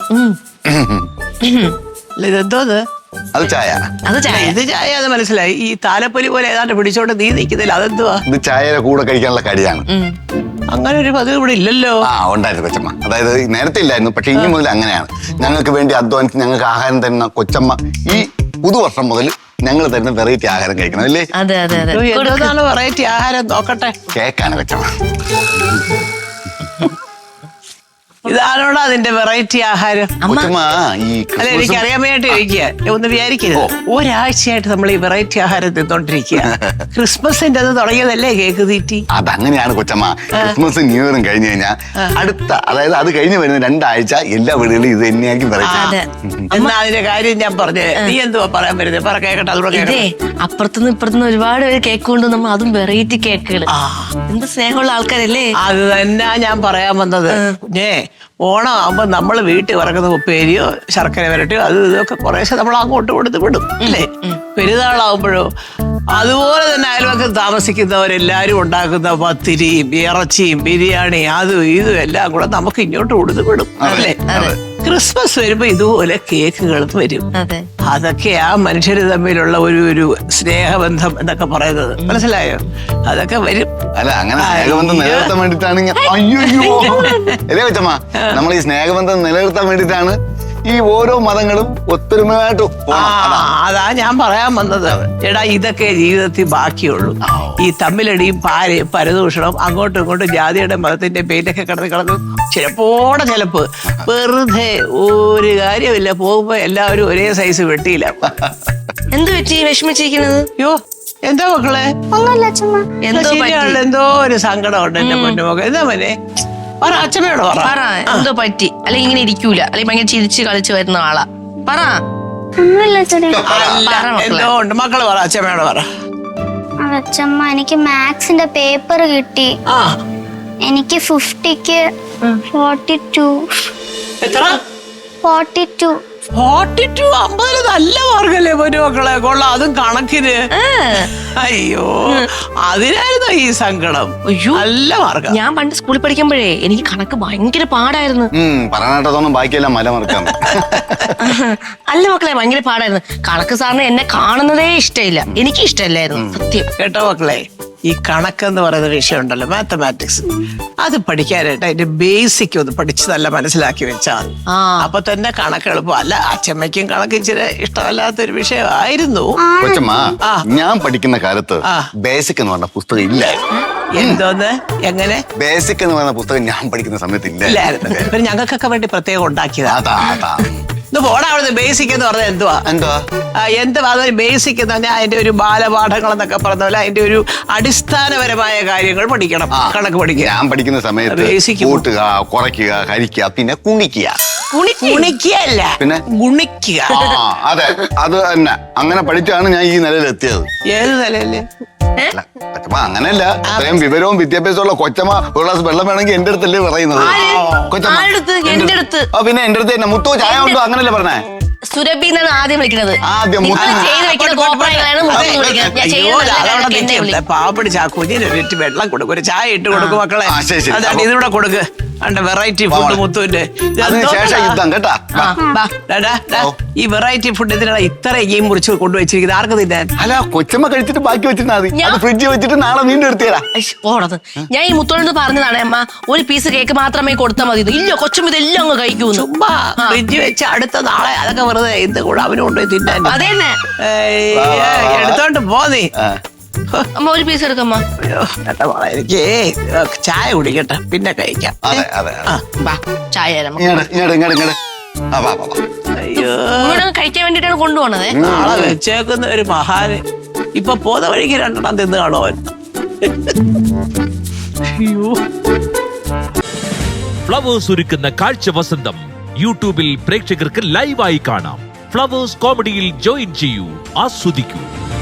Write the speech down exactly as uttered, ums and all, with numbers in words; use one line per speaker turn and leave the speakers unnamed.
അല്ല ഇതെന്തോന്ന്?
അത് ചായ.
അത് ചായ.
ഇത് ചായ അത് മനസ്സിലായി. ഈ താലപ്പൊലി പോലെ ഏതാണ്ട് പിടിച്ചോണ്ട് നീ നിൽക്കുന്നില്ല, അതെന്തുവാ?
ഇത് ചായയുടെ കൂടെ കഴിക്കാനുള്ള കടിയാണ്.
അങ്ങനെ ഒരു പതിവ് ഇവിടെ ഇല്ലല്ലോ.
ആ ഉണ്ടായിരുന്നു കൊച്ചമ്മ. അതായത് നേരത്തെ ഇല്ലായിരുന്നു, പക്ഷെ ഇനി മുതൽ അങ്ങനെയാണ്. ഞങ്ങൾക്ക് വേണ്ടി അധ്വാനിച്ച് ഞങ്ങൾക്ക് ആഹാരം തരുന്ന കൊച്ചമ്മ ഈ പുതുവർഷം മുതൽ ഞങ്ങൾ തരുന്ന വെറൈറ്റി ആഹാരം കഴിക്കണം അല്ലേ?
അതെ അതെ അതെ.
എന്താണ് വെറൈറ്റി ആഹാരം? നോക്കട്ടെ.
കേക്കാണ് കൊച്ചമ്മ.
ഇതാണോടാ അതിന്റെ വെറൈറ്റി ആഹാരം?
കൊച്ചമ്മ ഈ
അല്ല എനിക്ക് അറിയാൻ വേണ്ടി ചോദിക്കുക, ഒന്ന് വിചാരിക്കരുത്. ഒരാഴ്ചയായിട്ട് നമ്മൾ ഈ വെറൈറ്റി ആഹാരം തിന്നോണ്ടിരിക്കുക. ക്രിസ്മസിന്റെ അത് തുടങ്ങിയതല്ലേ കേക്ക് തീറ്റി?
അതങ്ങനെയാണ് കൊച്ചമ്മ. ക്രിസ്മസ് ന്യൂ ഇയറും കഴിഞ്ഞു കഴിഞ്ഞാൽ അടുത്ത അതായത് അത് കഴിഞ്ഞ് വരുന്ന രണ്ടാഴ്ച എല്ലാ വീടുകളിലും ഇത് തന്നെയായിരിക്കും വെറൈറ്റി.
എന്നാ അതിന്റെ കാര്യം ഞാൻ പറഞ്ഞേ. നീ എന്തുവാ പറയാൻ വരുന്നത്? പറ കേക്കട്ടെ. അതുകൂടെ
ഇതേ അപ്പുറത്തുനിന്ന് ഇപ്പുറത്തുനിന്ന് ഒരുപാട് പേര് കേക്ക് കൊണ്ട് നമ്മൾ അതും വെറൈറ്റി കേക്കുകൾ. എന്ത് സ്നേഹമുള്ള ആൾക്കാരല്ലേ.
അത് തന്നെ ഞാൻ പറയാൻ വന്നത്. കുഞ്ഞേ, ഓണം ആകുമ്പോ നമ്മൾ വീട്ടിൽ വറക്കുന്ന ഉപ്പേരിയോ ശർക്കര വരട്ടിയോ അത് ഇതൊക്കെ കുറേശ്ശെ നമ്മൾ അങ്ങോട്ട് കൊടുത്ത് വിടും അല്ലേ? പെരുന്നാളാവുമ്പോഴോ അതുപോലെ തന്നെ അയൽവക്കം താമസിക്കുന്നവരെല്ലാരും ഉണ്ടാക്കുന്ന പത്തിരിയും ഇറച്ചിയും ബിരിയാണി അതും ഇതും എല്ലാം കൂടെ നമുക്ക് ഇങ്ങോട്ട് കൊടുത്ത് വിടും അല്ലേ? ക്രിസ്മസ് വരുമ്പോ ഇതുപോലെ കേക്കുകളും വരും. അതൊക്കെയാ മനുഷ്യര് തമ്മിലുള്ള ഒരു ഒരു സ്നേഹബന്ധം എന്നൊക്കെ പറയുന്നത്. മനസ്സിലായോ? അതൊക്കെ വരും.
അല്ല അങ്ങനെ സ്നേഹബന്ധം നിലനിർത്താൻ വേണ്ടിട്ടാണ്. അയ്യോ അല്ലേ കൊച്ചമ്മ, നമ്മൾ ഈ സ്നേഹബന്ധം നിലനിർത്താൻ വേണ്ടിട്ടാണ് ഈ ഓരോ മതങ്ങളും ഒത്തൊരുമയായിട്ട്.
അതാ ഞാൻ പറയാൻ വന്നത്. എടാ ഇതൊക്കെ ജീവിതത്തിൽ ബാക്കിയുള്ളൂ. ഈ തമ്മിലടിയും പാരയും പരദൂഷണം അങ്ങോട്ടും ഇങ്ങോട്ടും ജാതിയുടെ മതത്തിന്റെ പേരിലൊക്കെ കിടന്ന് കിടന്ന് ചിലപ്പോടെ ചിലപ്പ് വെറുതെ ഒരു കാര്യമില്ല. പോകുമ്പോ എല്ലാവരും ഒരേ സൈസ് വെട്ടിയില്ല.
എന്ത് പറ്റി വിഷമിച്ചിരിക്കുന്നത്?
യോ എന്താ മക്കളെ? എന്തോ ഒരു സങ്കടം ഉണ്ട് എന്റെ പൊന്നുമൊക്കെ. എന്താ മോനെ? പറ, അച്ഛനോട് പറ.
എന്തോ പറ്റി? അല്ലെങ്കിൽ ഇങ്ങനെ ഇരിക്കൂല, അല്ലെങ്കിൽ ഭയങ്കര ചിരിച്ച് കളിച്ച് വരുന്ന ആളാ. പറ.
എന്തോ ഉണ്ട് മക്കള് പറ. അച്ഛമ്മയോട് പറ.
അച്ഛമ്മ എനിക്ക് മാത്സിന്റെ പേപ്പർ കിട്ടി. എനിക്ക് ഫിഫ്റ്റിക്ക് ഫോർട്ടി ടു.
എത്ര?
Forty two.
ഫോർട്ടി ടു അമ്പതിന് നല്ല മാർക്കല്ലേ പൊന്നു മക്കളെ. കൊള്ളാം, അതും കണക്കിന്. അയ്യോ അതിനായിരുന്നു ഈ സങ്കടം. നല്ല മാർക്ക.
ഞാൻ പണ്ട് സ്കൂളിൽ പഠിക്കുമ്പോഴേ എനിക്ക് കണക്ക് ഭയങ്കര പാടായിരുന്നു.
പറഞ്ഞിട്ടൊന്നും ബാക്കിയെല്ലാം മല മറക്കാം.
അല്ല മക്കളെ, ഭയങ്കര പാടായിരുന്നു കണക്ക്. സാറിന് എന്നെ കാണുന്നതേ ഇഷ്ടമില്ല, എനിക്ക് ഇഷ്ടമല്ലായിരുന്നു സത്യം.
കേട്ടോ മക്കളെ, ഈ കണക്കെന്ന് പറയുന്ന വിഷയം ഉണ്ടല്ലോ, മാത്തമാറ്റിക്സ്, അത് പഠിക്കാനായിട്ട് അതിന്റെ ബേസിക് ഒന്ന് പഠിച്ച് നല്ല മനസ്സിലാക്കി വെച്ചാൽ അപ്പൊ തന്നെ കണക്ക് എളുപ്പം. അല്ല അച്ഛമ്മയ്ക്കും കണക്ക് ഇച്ചിരി ഇഷ്ടമല്ലാത്തൊരു വിഷയമായിരുന്നു.
കൊച്ചമ്മ, ഞാൻ പഠിക്കുന്ന കാലത്ത് ബേസിക് എന്ന് പറഞ്ഞ പുസ്തകം ഇല്ലായിരുന്നു.
എന്തോന്ന്? എങ്ങനെ?
ബേസിക് എന്ന് പറയുന്ന പുസ്തകം ഞാൻ പഠിക്കുന്ന സമയത്ത്
ഇല്ലായിരുന്നു. പിന്നെ ഞങ്ങൾക്കൊക്കെ വേണ്ടി പ്രത്യേകം ഉണ്ടാക്കിയതാ. പോടാ അവിടുന്ന്. ബേസിക് എന്ന് പറഞ്ഞാൽ എന്തുവാ?
എന്തുവാ
എന്തുവാ അതൊരു ബേസിക് എന്ന് പറഞ്ഞാൽ അതിന്റെ ഒരു ബാലപാഠങ്ങൾ എന്നൊക്കെ പറഞ്ഞ പോലെ അതിന്റെ ഒരു അടിസ്ഥാനപരമായ കാര്യങ്ങൾ പഠിക്കണം. കണക്ക് പഠിക്കുക.
ഞാൻ പഠിക്കുന്ന സമയത്ത് ബേസിക് കൂട്ടുക, കുറയ്ക്കുക, ഹരിക്കുക, പിന്നെ കുണിക്കുക.
കുണിക്കുകയല്ല, പിന്നെ ഗുണിക്കുക.
അതെ, അത് തന്നെ. അങ്ങനെ പഠിച്ചാണ് ഞാൻ ഈ നിലയിലെത്തിയത്.
ഏത് നിലയില്?
കൊച്ചമ്മ അങ്ങനെയല്ല, അത്രയും വിവരവും വിദ്യാഭ്യാസമുള്ള കൊച്ചമ്മ ഒരു ഗ്ലാസ് വെള്ളം വേണമെങ്കിൽ എന്റെ അടുത്തല്ലേ പറയുന്നത്. കൊച്ചമ്മ പിന്നെ എന്റെ അടുത്ത് തന്നെ മുത്തു ചായ ഉണ്ടോ അങ്ങനല്ലേ പറഞ്ഞേ?
സുരഭി എന്നാണ് ആദ്യം വിളിക്കുന്നത്.
പാവപ്പടി ചാക്കുഞ്ഞിന് ഒരു വെള്ളം കൊടുക്കും, ഒരു ചായ ഇട്ട് കൊടുക്കും മക്കളെ. അതാണ് ഇതിലൂടെ കൊടുക്ക്. വെറൈറ്റി ഫുഡ് മുത്തുവിന്റെ ഈ വെറൈറ്റി ഫുഡ് ഇതിനാണ് ഇത്ര ഈ മുറിച്ച് കൊണ്ടുവച്ചിരിക്കുന്നത്. ആർക്ക് തിന്നാൻ?
അല്ല കൊച്ചമ്മ കഴിച്ചിട്ട് ബാക്കി വെച്ചിരുന്നാ മതി. ഫ്രിഡ്ജിൽ വെച്ചിട്ട് നാളെ വീണ്ടും എടുത്തേരാ.
ഓടത് ഞാൻ ഈ മുത്തോട് പറഞ്ഞതാണ്, അമ്മ ഒരു പീസ് കേക്ക് മാത്രമേ കൊടുത്താൽ മതി. ഇല്ല കൊച്ചമ്മ ഇതെല്ലാം അങ്ങ് കഴിക്കൂ.
ചുമ്മാ ഫ്രിഡ്ജ് വെച്ച് അടുത്ത നാളെ അതൊക്കെ വെറുതെ ഇത് കൂടെ അവന് കൊണ്ടുപോയി തിന്നാൻ.
അതന്നെ
എടുത്തോണ്ട് പോന്നീ.
അമ്മ ഒരു പീസ് എടുക്കമ്മ.
എനിക്ക് ചായ കുടിക്കട്ടെ, പിന്നെ കഴിക്കാം.
ചായ കഴിക്കാൻ വേണ്ടിട്ടാണ് കൊണ്ടുപോണത്.
നാളെ വെച്ചേക്കുന്ന ഒരു മഹാന് ഇപ്പൊ പോന്ന വഴിക്ക് രണ്ടെണ്ണം തിന്ന് കാണോ അവൻ.
ഫ്ലവേഴ്സ് ഒരുക്കുന്ന കാഴ്ച വസന്തം യൂട്യൂബിൽ പ്രേക്ഷകർക്ക് ലൈവായി കാണാം. ഫ്ലവേഴ്സ് കോമഡിയിൽ ജോയിൻ ചെയ്യൂ, ആസ്വദിക്കൂ.